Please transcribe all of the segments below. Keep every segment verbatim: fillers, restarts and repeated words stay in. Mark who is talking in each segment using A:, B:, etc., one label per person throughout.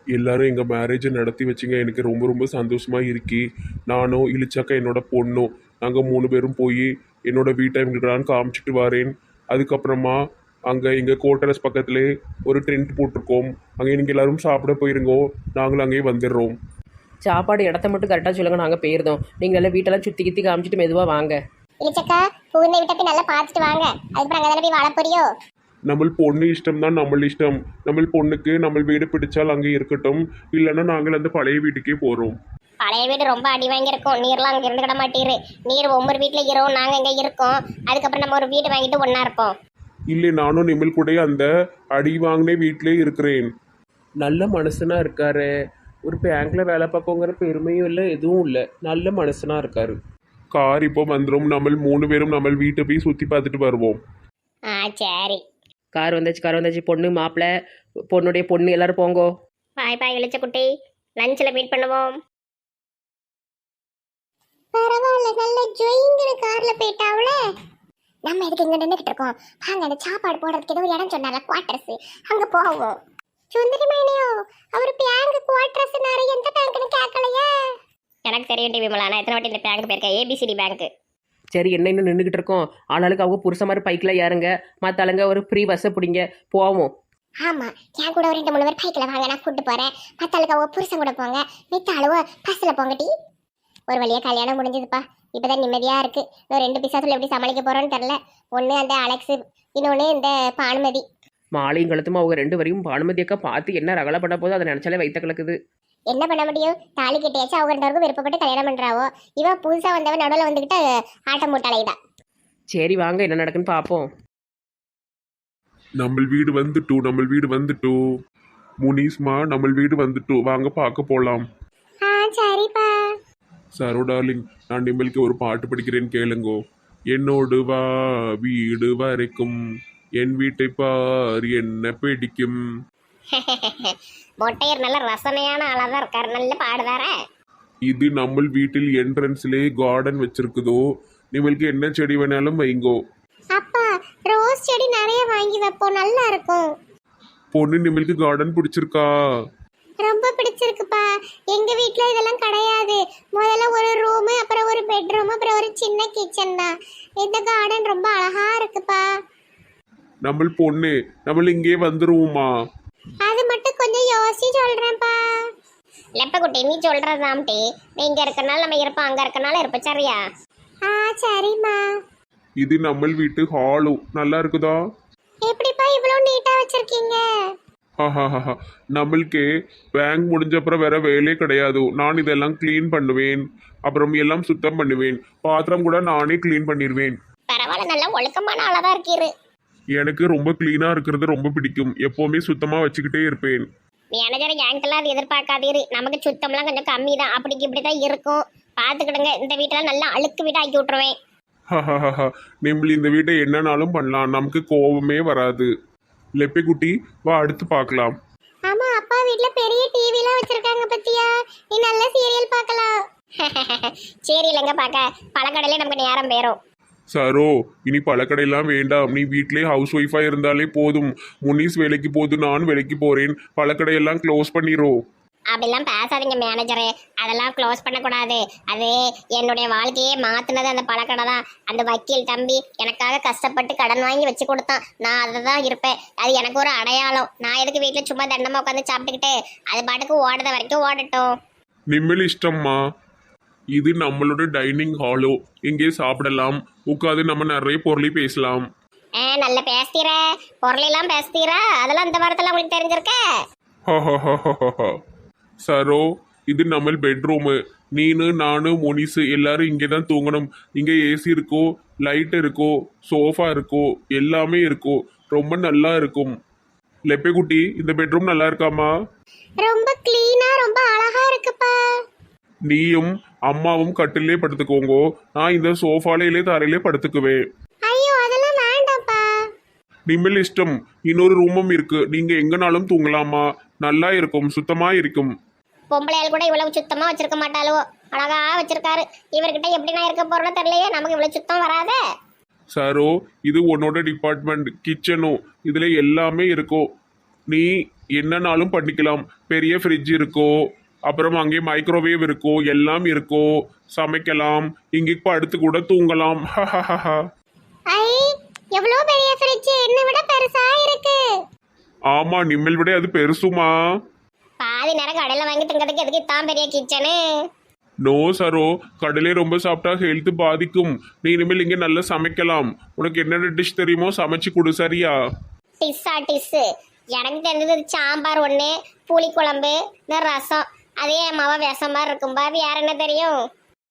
A: எல்லாரும் எங்கள் மேரேஜை நடத்தி வச்சிங்க. எனக்கு ரொம்ப ரொம்ப சந்தோஷமாக இருக்கி. நானும் இழிச்சாக்கா என்னோட பொண்ணும் நாங்கள் மூணு பேரும் போய் என்னோட வீட்டை எங்களுக்கு காமிச்சிட்டு வரேன். அதுக்கப்புறமா அங்கே எங்கள் கோட்டரஸ் பக்கத்துலே ஒரு டென்ட் போட்டிருக்கோம். அங்கே நீங்கள் எல்லாரும் சாப்பிட போயிருங்கோ. நாங்களும் அங்கேயே வந்துடுறோம்.
B: சாப்பாடு இடத்த மட்டும் கரெக்டாக சொல்லுங்கள், நாங்கள் போயிருந்தோம். நீங்கள் எல்லாம் வீட்டெல்லாம் சுற்றி கித்தி காமிச்சிட்டு மெதுவாக வாங்க.
C: இழிச்சக்கா புகுந்த வீட்டை போய் நல்லா பார்த்துட்டு வாங்க. அதுக்கப்புறம் அங்கே தானே போய் வாழ போறியோ?
A: நம்ம பொண்ணு இஷ்டம் தான் நம்ம இஷ்டம். நம்ம பொண்ணுக்கு நம்ம வீடு பிடிச்சால் அங்கே இருக்கட்டும், இல்லைன்னா நாங்கள் அந்த பழைய வீட்டுக்கே போகிறோம்.
C: பழைய வீடு ரொம்ப அடி வாங்கியிருக்கோம். நீர்லாம் அங்கே இருந்து கிட மாட்டீரு. நீர் ஒவ்வொரு வீட்டில் இருக்கோம், நாங்கள் இங்கே இருக்கோம். அதுக்கப்புறம் நம்ம ஒரு வீடு வாங்கிட்டு ஒன்றா இருப்போம்.
A: இல்லை, நானும் நிமிழ் கூட அந்த அடி வாங்கினே வீட்டிலே இருக்கிறேன்.
B: நல்ல மனுஷனாக இருக்காரு. ஒரு பேங்க்ல வேலை பார்க்கோங்கிற பெருமையும் இல்லை, எதுவும் இல்லை. நல்ல மனுஷனாக இருக்காரு.
A: கார் இப்போ வந்துடும். நம்ம மூணு பேரும் நம்ம வீட்டை போய் சுற்றி பார்த்துட்டு வருவோம்.
C: ஆ சரி.
B: கார் வந்தாச்சு, கார் வந்தாச்சு. பொண்ணு மாப்பிள்ளை, பொண்ணுடைய பொண்ணு எல்லாரும் போங்கோ.
C: பாய் பாய் இழிச்ச குட்டி. லஞ்சில் மீட் பண்ணுவோம். பரவாயில்ல, நல்ல ஜொயிங்கிற கார்ல போயிட்டாவுல. நம்ம எதுக்கு இங்க நின்றுகிட்டு இருக்கோம்? வாங்க, அந்த சாப்பாடு போடுறதுக்கு ஏதோ ஒரு இடம் சொன்னால, குவார்டர்ஸ், அங்க போவோம். சுந்தரி மைனியோ, அவர் பேங்க் குவார்டர்ஸ் நிறைய எந்த பேங்க்னு கேட்கலையே. எனக்கு தெரியும் டி விமலா, நான் எத்தனை வாட்டி இந்த பேங்க் போயிருக்கேன். ABCD bank.
B: சரி, என்ன இன்னும் நின்றுக்கிட்டு இருக்கோம்? ஆளாளுக்கு அவங்க புருஷ மாதிரி பைக்கில் ஏறுங்க, மற்ற ஆளுங்க ஒரு ஃப்ரீ பஸ்ஸை பிடிங்க, போவோம்.
C: ஆமா, என் கூட ஒரு ரெண்டு மூணு பேர் பைக்கில் வாங்க, நான் கூட்டு போறேன். மற்ற ஆளுக்கு அவங்க புருஷன் கூட போங்க, மித்த ஆளுவ பஸ்ஸில் போங்க. டி ஒரு வழியா கல்யாணம் முடிஞ்சதுப்பா. இப்போதான் நிம்மதியா இருக்கு. இன்னும் ரெண்டு பிசாசுல எப்படி சமாளிக்க போறோன்னு தெரியல. ஒன்று அந்த அலெக்ஸ், இன்னொன்று இந்த பானுமதி.
B: மாலையும் கழுத்துமா அவங்க ரெண்டு வரையும் பானுமதி அக்கா பார்த்து என்ன ரகலை பண்ண போதோ அதை நினச்சாலே வைத்த கலக்குது.
C: என்ன பண்ண முடியும்? தாலி கட்டியாச்சு, அவங்க ரெண்டு பேருக்கும் விருப்பப்பட்டு கல்யாணம் பண்றாவோ. இவ புதுசா வந்தவன் நடுவில் வந்துகிட்டு ஆட்டம் போட்டாலைதா.
B: சரி வாங்க, என்ன நடக்குன்னு பார்ப்போம்.
A: நம்ம வீடு வந்துட்டோ, நம்ம வீடு வந்துட்டோ. முனிஸ்மா, நம்ம வீடு வந்துட்டோ, வாங்க பார்க்க போகலாம்.
C: ஆ சரிப்பா.
A: சரோ டார்லிங், நான் நிம்மலுக்கு ஒரு பாட்டு படிக்கிறேன்னு கேளுங்கோ. என்னோடு வா வீடு வரைக்கும், என் வீட்டை பார் என்ன பிடிக்கும்.
C: மொட்டையர் நல்ல ரசனையான ஆளாதான் இருக்காரு, நல்ல பாடுதார.
A: இது நம்ம வீட்டில் என்ட்ரன்ஸ்லே கார்டன் வச்சிருக்குதோ. நிம்மலுக்கு என்ன செடி வேணாலும் வைங்கோ.
C: அப்பா, ரோஸ் செடி நிறைய வாங்கி வைப்போம், நல்லா இருக்கும்.
A: பொண்ணு நிம்மலுக்கு கார்டன் பிடிச்சிருக்கா?
C: ரொம்ப பிடிச்சிருக்குப்பா. எங்க வீட்ல இதெல்லாம் கிடையாது. முதல்ல ஒரு ரூம், அப்புறம் ஒரு பெட்ரூம், அப்புறம் ஒரு சின்ன கிச்சன் தான். இந்த கார்டன் ரொம்ப அழகா இருக்குப்பா.
A: நம்ம பொண்ணு, நம்ம இங்கே வந்துருவோமா?
C: அது மட்டும் கொஞ்சம் யோசிச்சு சொல்றேன்ப்பா. லெப்பக்குட்டி, நீ சொல்றதாம்டி. நீ இங்க இருக்கனால நம்ம இருப்போம், அங்க இருக்கனால இருப்போம், சரியா? ஆ சரிம்மா.
A: இது நம்ம வீட்டு ஹாலு நல்லா இருக்குதா?
C: எப்படிப்பா இவ்வளவு நீட்டா வச்சிருக்கீங்க?
A: ஹஹஹஹ, நம்மளுக்கு பேங்க் முடிஞ்ச அப்புறம் வேற வேலையே கிடையாது. நான் இதெல்லாம் க்ளீன் பண்ணுவேன், அப்புறம் எல்லாம் சுத்தம் பண்ணுவேன். பாத்திரம் கூட நானே க்ளீன் பண்ணிடுவேன்.
C: பரவாயில்ல, நல்ல ஒழுக்கமான ஆளா இருக்கீரு.
A: எனக்கு ரொம்ப க்ளீனாக இருக்கிறது ரொம்ப பிடிக்கும். எப்போவுமே சுத்தமாக வச்சுக்கிட்டே இருப்பேன்.
C: மேனேஜர் என்கிட்டலாம் அது எதிர்பார்க்காதீரு. நமக்கு சுத்தம்லாம் கொஞ்சம் கம்மி தான், அப்படிக்கு இப்படி தான் இருக்கும். பார்த்துக்கிடுங்க. இந்த வீட்டெல்லாம் நல்லா அழுக்கு வீடாக ஆக்கி விட்டுருவேன்.
A: ஹஹஹஹ, நிம்பளி இந்த வீட்டை என்னன்னாலும் பண்ணலாம், நமக்கு கோபமே வராது. லெப்பை குட்டி, வா அடுத்து பார்க்கலாம்.
C: ஆமா, அப்பா வீட்ல பெரிய டிவிலாம் வச்சிருக்காங்க பத்தியா? நீ நல்ல சீரியல் பார்க்கலாம். சீரியல் எங்க பார்க்க? பழக்கடையில நமக்கு நேரம் போயிரும்.
A: சரோ, இனி பழக்கடையெல்லாம் வேண்டாம். நீ வீட்டிலே ஹவுஸ் ஒய்ஃபாக இருந்தாலே போதும். முனிஸ் வேலைக்கு போது, நான் வேலைக்கு போகிறேன். பழக்கடையெல்லாம் க்ளோஸ் பண்ணிடுறோம்.
C: அப்படிலாம் பேசாதீங்க மேனேஜரு. அதெல்லாம் க்ளோஸ் பண்ணக்கூடாது. அது என்னுடைய வாழ்க்கையே மாற்றினது அந்த பழக்கடை தான். அந்த வக்கீல் தம்பி எனக்காக கஷ்டப்பட்டு கடன் வாங்கி வச்சு கொடுத்தான். நான் அதை தான் இருப்பேன். அது எனக்கு ஒரு அடையாளம். நான் எதுக்கு வீட்டில் சும்மா தண்டமாக உட்காந்து சாப்பிட்டுக்கிட்டு அது பாட்டுக்கு ஓடுற வரைக்கும் ஓடட்டும்.
A: நிம்மல் இஷ்டம்மா. இது நம்மளோட டைனிங் ஹாலோ. இங்கே சாப்பிடலாம், உட்காந்து நம்ம நிறைய பொருளை பேசலாம்.
C: ஆ நல்ல பேசுத்தீர, பொருளெல்லாம் பேசுத்தீரா? அதெல்லாம் இந்த வாரத்தில் உங்களுக்கு தெரிஞ்சிருக்க?
A: சரோ, இது நம்ம பெட்ரூமு. நீனு நானு முனிசு எல்லாரும் இங்கே தான் தூங்கணும். இங்கே ஏசி இருக்கோ, லைட் இருக்கோ, சோஃபா இருக்கோ, எல்லாமே இருக்கோ. ரொம்ப நல்லா இருக்கும். லெப்பை குட்டி, இந்த பெட்ரூம் நல்லா இருக்காமா?
C: ரொம்ப கிளீனா, ரொம்ப அழகா இருக்குப்பா.
A: நீயும் அம்மாவும் கட்டிலே படுத்துக்கோங்கோ. நான் இந்த சோஃபாலையிலே தரையிலே படுத்துக்குவேன்.
C: ஐயோ, அதெல்லாம் வேண்டாம்ப்பா.
A: நிம்மல் இஷ்டம். இன்னொரு ரூமும் இருக்கு, நீங்க எங்கனாலும் தூங்கலாமா. நல்லா இருக்கும், சுத்தமா இருக்கும்.
C: பொம்பளையால் கூட இவ்வளவு சுத்தமா வச்சிருக்க மாட்டாளோ, அழகா வச்சிருக்காரு. இவர்கிட்ட எப்படி நான் இருக்க போறோன்னு தெரியலையே. நமக்கு இவ்வளவு சுத்தம் வராதே.
A: சரோ, இது உன்னோட டிபார்ட்மெண்ட் கிச்சனும். இதுல எல்லாமே இருக்கும். நீ என்னன்னாலும் பண்ணிக்கலாம். பெரிய ஃப்ரிட்ஜ் இருக்கோ, அப்புறம் அங்கே மைக்ரோவேவ் இருக்கோ, எல்லாம் இருக்கோ. சமைக்கலாம், இங்கே படுத்து கூட தூங்கலாம்.
C: ஐ எவ்வளோ பெரிய ஃப்ரிட்ஜ், என்ன விட பெருசா இருக்கு.
A: ஆமா, நிம்மல் விட அது பெருசுமா.
C: பாதி நேரம் கடையில வாங்கி திங்கிறதுக்கு எதுக்கு இதான் பெரிய கிச்சனு?
A: நோ சரோ, கடலே ரொம்ப சாப்பிட்டா ஹெல்த் பாதிக்கும். நீ இனிமேல் இங்கே நல்லா சமைக்கலாம். உனக்கு என்னென்ன டிஷ் தெரியுமோ சமைச்சு கொடு, சரியா?
C: டிஸ்ஸா டிஸ்ஸு எனக்கு தெரிஞ்சது சாம்பார் ஒன்று, புளிக்குழம்பு, இந்த ரசம். அதே என் மாவா விஷம் மாதிரி இருக்கும்பா. வேற என்ன தெரியும்?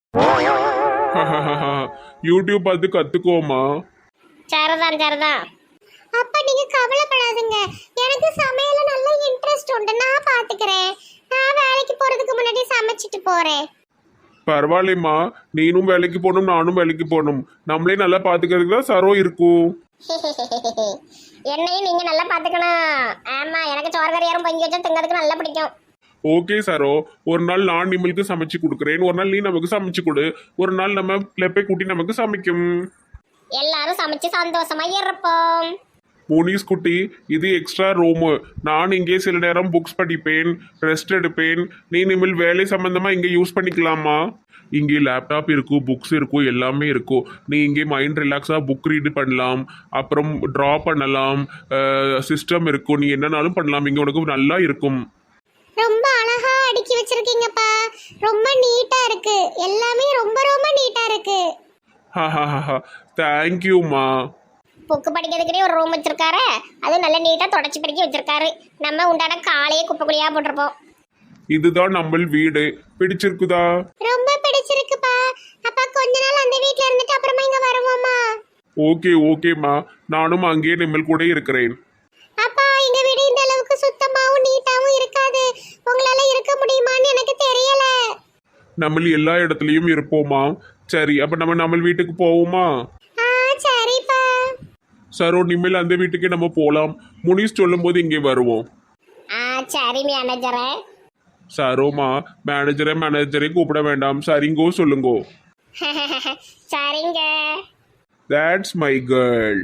A: யூடியூப் பார்த்து கத்துக்கோமா.
C: சரிதான் சரிதான். அப்ப நீங்க கவலைப்படாதுங்க, எனக்கு சமையல நல்ல இன்ட்ரெஸ்ட் உண்டு. நான் பாத்துக்கிறேன். நான் வேலைக்கு போறதுக்கு முன்னாடி சமைச்சிட்டு போறேன்.
A: பரவாயில்லைம்மா, நீனும் வேலைக்கு போகணும், நானும் வேலைக்கு போகணும். நம்மளே நல்லா பாத்துக்கிறதுக்கு தான் சரோ இருக்கும்.
C: என்னையும் நீங்க நல்லா பாத்துக்கணும். ஆமா, எனக்கு சோறுகறியாரும் பொங்கி வச்சா திங்கிறதுக்கு நல்லா பிடிக்கும்.
A: ஓகே சரோ, ஒரு நாள் நான் நிம்மளுக்கு சமைச்சு கொடுக்குறேன், ஒரு நாள் நீ நமக்கு சமைச்சு கொடு, ஒரு நாள் நம்ம லெப்பை குட்டி நமக்கு சமைக்கும்.
C: எல்லாரும் சமைச்சு சந்தோஷமா இருப்போம்.
A: முனிஸ் குட்டி, இது எக்ஸ்ட்ரா ரூமு. நான் இங்கே சில நேரம் புக்ஸ் படிப்பேன், ரெஸ்ட் எடுப்பேன். நீ நிம்மல் வேலை சம்பந்தமா இங்கே யூஸ் பண்ணிக்கலாமா? இங்கே லேப்டாப் இருக்கும், புக்ஸ் இருக்கும், எல்லாமே இருக்கும். நீ இங்கே மைண்ட் ரிலாக்ஸாக புக் ரீடு பண்ணலாம், அப்புறம் ட்ரா பண்ணலாம், சிஸ்டம் இருக்கும். நீ என்னன்னாலும் பண்ணலாம், இங்கே உனக்கு நல்லா இருக்கும்.
C: ரொம்ப அழகா அடுக்கி வச்சிருக்கீங்கப்பா. ரொம்ப நீட்டா இருக்கு, எல்லாமே ரொம்ப ரொம்ப நீட்டா இருக்கு.
A: தேங்க்யூம்மா.
C: புக்கு படிக்கிறதுக்குனே ஒரு ரூம் வச்சிருக்காரு, அது நல்ல நீட்டா தொடச்சி படிக்க வச்சிருக்காரு. நம்ம உண்டான காலையே குப்பைக்குழியா போட்டிருப்போம்.
A: இதுதான் நம்ம வீடு. பிடிச்சிருக்குதா?
C: ரொம்ப பிடிச்சிருக்குப்பா. அப்பா கொஞ்ச நாள் அந்த வீட்ல இருந்துட்டு அப்புறமா இங்க வருவோமா?
A: ஓகே ஓகேம்மா, நானும் அங்கேயே நிம்மல் கூட இருக்கிறேன்.
C: அப்பா எங்க வீடு இந்த அளவுக்கு சுத்தமாவும் நீட்டாவும் இருக்காது. உங்களால இருக்க முடியுமான்னு எனக்கு தெரியல.
A: நம்ம எல்லா இடத்துலயும் இருப்போமா? சரி, அப்ப நம்ம நம்ம வீட்டுக்கு போவோமா?
C: ஆ சரிப்பா.
A: சரோ, நிம்மல் அந்த வீட்டுக்கே நம்ம போலாம். முனிஸ் சொல்லும் போது இங்கே வருவோம்.
C: ஆ சரி மேனேஜரே.
A: சரோமா, மேனேஜரை மேனேஜரை கூப்பிட வேண்டாம், சரிங்கோ சொல்லுங்கோ.
C: சரிங்க.
A: That's my girl.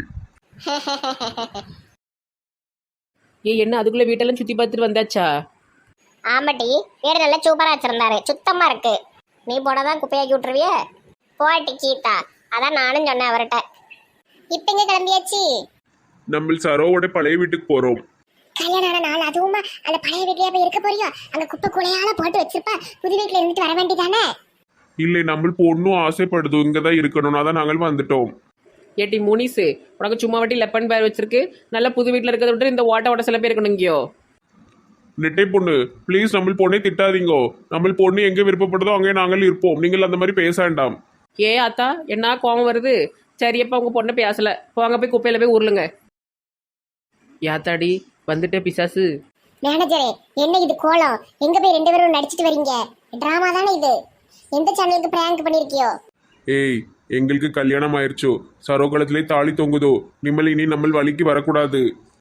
B: ஏ என்ன அதுக்குள்ள வீட்டெல்லாம் சுத்தி பார்த்துட்டு வந்தாச்சா?
C: ஆமாட்டி, வீடு நல்லா சூப்பரா வச்சிருந்தாரு, சுத்தமா இருக்கு. நீ போனதான் குப்பையாக்கி விட்டுருவிய போட்டி கீதா. அதான் நானும் சொன்னேன் அவர்கிட்ட. இப்ப எங்க கிளம்பியாச்சு?
A: நம்ம சரோவோட பழைய வீட்டுக்கு போறோம்.
C: கல்யாணம் நாள் அதுவுமா அந்த பழைய வீட்லயே போய் இருக்க போறியோ? அங்க குப்பை குலையால போட்டு வச்சிருப்பா, புது வீட்டுல இருந்துட்டு வர வேண்டியதானே?
A: இல்லை, நம்ம பொண்ணும் ஆசைப்படுது இங்கதான் இருக்கணும், அதான் நாங்கள் வந்துட்டோம்.
B: ஏட்டி முனிசு, உனக்கு சும்மா வாட்டி லெப்பன் பேர் வச்சிருக்கு. நல்ல புது வீட்டில் இருக்கிறத விட்டு இந்த ஓட்ட ஓட்ட சில பேர் இருக்கணும் இங்கேயோ.
A: நெட்டை பொண்ணு, ப்ளீஸ் நம்ம பொண்ணே திட்டாதீங்கோ. நம்ம பொண்ணு எங்க விருப்பப்படுதோ அங்கே நாங்கள் இருப்போம். நீங்கள் அந்த மாதிரி பேச வேண்டாம்.
B: ஏ அத்தா, என்ன கோவம் வருது? சரியப்பா, உங்க பொண்ணை பேசல, போங்க போய் குப்பையில போய் உருளுங்க. யாத்தாடி வந்துட்டு பிசாசு.
C: மேனேஜரே, என்ன இது கோலம்? எங்க போய் ரெண்டு பேரும் நடிச்சிட்டு வரீங்க? டிராமா தானே இது? எந்த சேனலுக்கு பிராங்க் பண்ணிருக்கியோ?
A: ஏய், எங்களுக்கு கல்யாணம் ஆயிடுச்சோ, சரோகலத்திலே தாலி தொங்குதோ. நிம்மல் இனி நம்ம வழிக்கு வரக்கூடாது.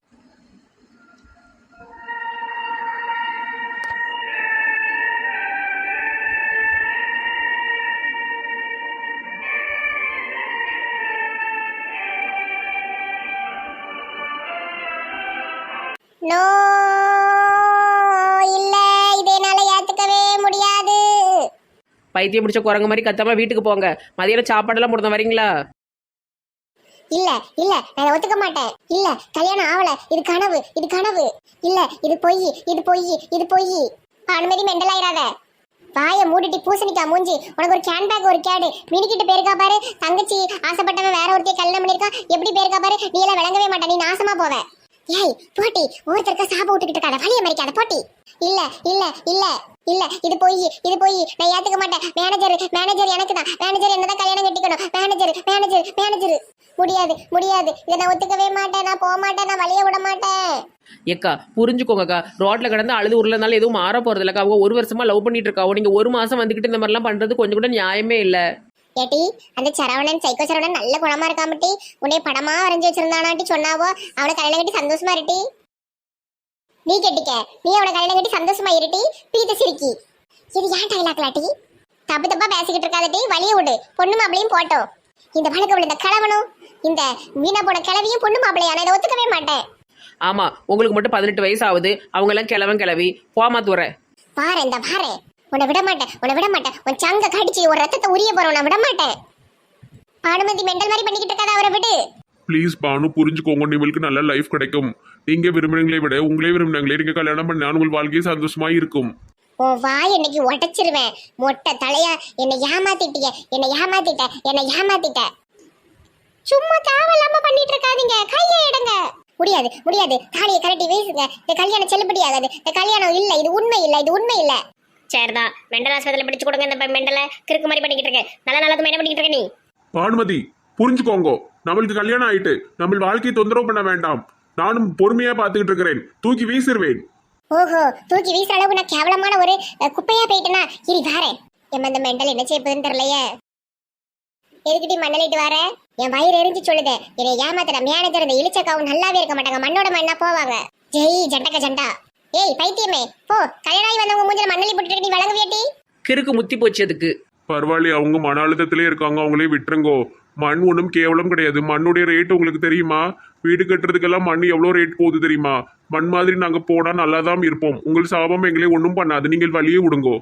C: நோ, இல்ல, இதை என்னால ஏத்துக்கவே முடியாது.
B: பைத்தியம் பிடிச்ச குரங்கு மாதிரி கத்தாம வீட்டுக்கு போங்க. மதியம் சாப்பாடெல்லாம் முடிந்த வரீங்களா?
C: இல்ல இல்ல, நான் ஒத்துக்க மாட்டேன். இல்ல, கல்யாணம் ஆவல, இது கனவு, இது கனவு. இல்ல, இது பொய், இது பொய், இது பொய். அனுமதி மெண்டல் ஆயிராத. வாய மூடிட்டு பூசணிக்கா மூஞ்சி. உனக்கு ஒரு கேன் பேக், ஒரு கேடு மினிக்கிட்டு பேருக்கா பாரு. தங்கச்சி ஆசைப்பட்டவன் வேற ஒருத்தைய கல்யாணம் பண்ணிருக்கான், எப்படி பேருக்கா பாரு. நீ எல்லாம் விளங்கவே மாட்ட, நீ நாசமா போவ. ஏய் போட்டி, ஒருத்தருக்க சாப விட்டுக்கிட்டு இருக்காத, வழிய மறிக்காத போட்டி. இல்ல இல்ல இல்ல இல்ல, இது போய், இது போய், நான் ஏத்துக்க மாட்டேன். மேனேஜர் மேனேஜர் எனக்கு தான். மேனேஜர் என்னதான் கல்யாணம் கட்டிக்கணும். மேனேஜர் மேனேஜர் மேனேஜர் முடியாது முடியாது, இதை நான் ஒத்துக்கவே மாட்டேன். நான் போக மாட்டேன், நான் வழிய விட மாட்டேன்.
B: ஏக்கா புரிஞ்சுக்கோங்கக்கா, ரோட்ல கிடந்து அழுது உருளனால எதுவும் மாற போறது இல்லக்கா. அவங்க ஒரு வருஷமா லவ் பண்ணிட்டு இருக்காவோ, நீங்க ஒரு மாசம் வந்துகிட்டு இந்த மாதிரிலாம் பண்றது கொஞ்சம் கூட நியாயமே இல்ல.
C: ஏட்டி, அந்த சரவணன் சைக்கோ சரவணன் நல்ல குணமா இருக்காமட்டி, உன்னை படமா வரைஞ்சி வச்சிருந்தானாட்டி சொன்னாவோ. அவனை கல்யாணம் கட்டி சந்தோஷமா இருட்டி. நீ கெட்டிக்க, நீ அவனை கல்யாணம் கட்டி சந்தோஷமா இருட்டி. பீத்த சிரிக்கி. இது ஏன் டைலாக்லாட்டி? தப்பு தப்பா பேசிக்கிட்டு இருக்காதட்டி, வழிய விடு. பொண்ணு மாப்பிளையும் போட்டோம். இந்த வழக்கு இந்த கிழவனும் இந்த வீணா போன கிழவியும் பொண்ணு மாப்பிளையா? நான் இதை ஒத்துக்கவே மாட்டேன்.
B: ஆமா உங்களுக்கு மட்டும் பதினெட்டு வயசு ஆகுது, அவங்க எல்லாம் கிழவன் கிளவி போமா தூர.
C: பாரு இந்த பாரு, உன்னை விட மாட்டேன், உன்னை விட மாட்டேன். உன் சங்க கடிச்சு ஒரு ரத்தத்தை உரிய போறோம், நான் விட மாட்டேன். பானுமதி மெண்டல் மாதிரி பண்ணிக்கிட்டு இருக்காத, அவரை விடு.
A: ப்ளீஸ் பானு புரிஞ்சுக்கோங்க, உங்களுக்கு நல்ல லைஃப் கிடைக்கும். நீங்க விரும்புறீங்களே விட உங்களே விரும்பினாங்களே நீங்க கல்யாணம் பண்ணா உங்கள் வாழ்க்கையை சந்தோஷமா இருக்கும்.
C: உன் வாய் இன்னைக்கு உடைச்சிருவேன், மொட்டை தலையா. என்னை ஏமாத்திட்டீங்க, என்னை ஏமாத்திட்ட, என்னை ஏமாத்திட்ட. சும்மா தேவையில்லாம பண்ணிட்டு இருக்காதீங்க, கையை எடுங்க. முடியாது முடியாது, தாலியை கரட்டி வீசுங்க. இந்த கல்யாணம் செல்லுபடி ஆகாது, இந்த கல்யாணம் இல்ல, இது உண்மை இல்ல, இது உண்மை இல்ல. சரிதான், மெண்டல் ஆஸ்பத்திரியில பிடிச்சு கொடுங்க இந்த மெண்டலை. கிறுக்கு மாதிரி பண்ணிக்கிட்டு இருக்க, நல்ல நல்லது என்ன பண்ணிக்கிட்டு இருக்க நீ?
A: பானுமதி புரிஞ்சுக்கோங்க, நம்மளுக்கு கல்யாணம் ஆயிட்டு நம்ம வாழ்க்கையை தொந்தரவு பண்ண வேண்டாம். நானும் பொறுமையா பாத்துக்கிட்டு இருக்கிறேன், தூக்கி வீசிடுவேன்.
C: ஓஹோ, தூக்கி வீசுற அளவுக்கு நான் கேவலமான ஒரு குப்பையா போயிட்டேனா? இனி வாரேன். என் இந்த மெண்டல் என்ன செய்யப்போதுன்னு தெரியலையே. எதுக்கிட்டி மண்ணலிட்டு வர? என் வயிறு எரிஞ்சு சொல்லுது, என்னை ஏமாத்துற மேனேஜர் இந்த இழிச்சக்காவும் நல்லாவே இருக்க மாட்டாங்க, மண்ணோட மண்ணா போவாங்க. ஜெய் ஜண்டக்க ஜண்டா. ஏய் பைத்தியமே, போ. கல்யாணம் வந்தவங்க மூஞ்சில மண்ணலி போட்டுட்டு நீ வழங்க வேட்டி.
B: கிறுக்கு முத்தி போச்சு அதுக்கு.
A: பரவாயில்ல, அவங்க மன அழுத்தத்திலே இருக்காங்க, அவங்களே விட்டுருங்கோ. மண் ஒன்றும் கேவலம் கிடையாது. மண்ணுடைய ரேட் உங்களுக்கு தெரியுமா? வீடு கட்டுறதுக்கெல்லாம் மண் எவ்வளோ ரேட் போகுது தெரியுமா? மண் மாதிரி நாங்கள் போனால் நல்லா தான் இருப்போம். உங்கள் சாபம் எங்களே ஒன்றும் பண்ணாது, நீங்கள் வழியே விடுங்கோ.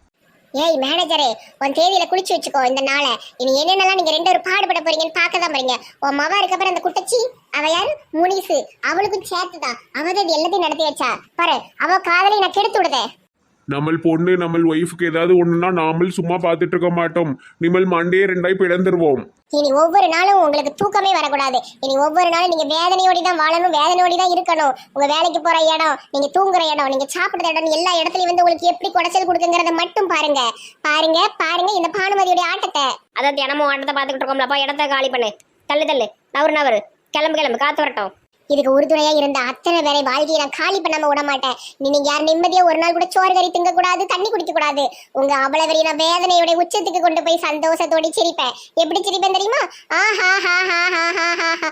C: ஏய் மேனேஜரே, உன் தேதியில குளிச்சு வச்சுக்கோ இந்த நாளை. இனி என்னென்னலாம் நீங்க ரெண்டு பேரும் பாடுபட போறீங்கன்னு பார்க்க தான் போறீங்க. உன் மவா இருக்கப்பற அந்த குட்டச்சி அவ யாரு முனிசு, அவளுக்கும் சேர்த்துதான் அவதான் எல்லாத்தையும் நடத்தி வச்சா பாரு. அவ காதலை நான் கெடுத்து விடுதே.
A: நம்ம பொண்ணு நம்ம ஒய்ஃபுக்கு ஏதாவது ஒண்ணுன்னா நாமல் சும்மா பார்த்துட்டு இருக்க மாட்டோம். நிமல் மண்டே ரெண்டாய் பிளந்துருவோம்.
C: இனி ஒவ்வொரு நாளும் உங்களுக்கு தூக்கமே வரக்கூடாது. இனி ஒவ்வொரு நாளும் நீங்க வேதனையோடி தான் வாழணும், வேதனையோடி தான் இருக்கணும். உங்க வேலைக்கு போற இடம், நீங்க தூங்குற இடம், நீங்க சாப்பிடுற இடம், எல்லா இடத்துலயும் வந்து உங்களுக்கு எப்படி குடைச்சல் கொடுக்குங்கிறத மட்டும் பாருங்க. பாருங்க பாருங்க இந்த பானுமதியோட ஆட்டத்தை. அதான் தினமும் ஆட்டத்தை பார்த்துக்கிட்டு இருக்கோம்லப்பா. இடத்த காலி பண்ணு, தள்ளு தள்ளு, நவரு நவரு, கிளம்பு கிளம்பு, காத்து வரட்டும். இதுக்கு உறுதுணையா இருந்த அத்தனை பேரை வாழ்க்கையை நான் காலி பண்ணாம விட மாட்டேன். நீங்க யார் நிம்மதியா ஒரு நாள் கூட சோறு கறி திங்க கூடாது, தண்ணி குடிக்க கூடாது. உங்க அவ்வளவு வரையும் நான் வேதனையோட உச்சத்துக்கு கொண்டு போய் சந்தோஷத்தோட சிரிப்பேன். எப்படி சிரிப்பேன் தெரியுமா? ஆஹா ஹா ஹா ஹா ஹா ஹா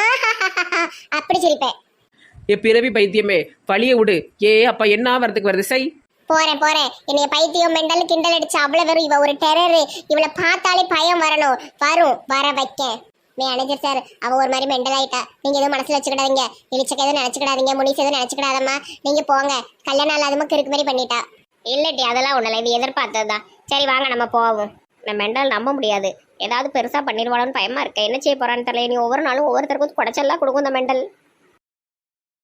C: ஆஹா, அப்படி சிரிப்பேன்.
B: ஏ பிறவி பைத்தியமே, வழிய விடு. ஏ அப்பா என்ன வரதுக்கு வருது சை.
C: போறேன் போறேன். என்னைய பைத்தியம் மெண்டல் கிண்டல் அடிச்சு அவ்வளவு வெறும். இவ ஒரு டெரரு, இவளை பார்த்தாலே பயம் வரணும். வரும், வர வைக்க. மேனேஜர் சார், அவ ஒரு மாதிரி மெண்டல் ஆயிட்டா. நீங்க எதுவும் மனசுல வச்சுக்கிடாதீங்க, இழிச்சக்க எதுவும் நினைச்சுக்கிடாதீங்க, முனிஸ் எதுவும் நினைச்சுக்கிடாதம்மா. நீங்க போங்க, கல்யாணம் இல்லாதமா கிறுக்கு மாதிரி பண்ணிட்டா. இல்லட்டி அதெல்லாம் ஒண்ணு இல்லை, இது எதிர்பார்த்ததுதான். சரி வாங்க நம்ம போவோம். நான் மெண்டல் நம்ப முடியாது, ஏதாவது பெருசா பண்ணிடுவாளோன்னு பயமா இருக்க. என்ன செய்ய போறான்னு தெரியல. நீ ஒவ்வொரு நாளும் ஒவ்வொருத்தருக்கும் குடைச்சல்லாம் கொடுக்கும் இந்த மெண்டல்.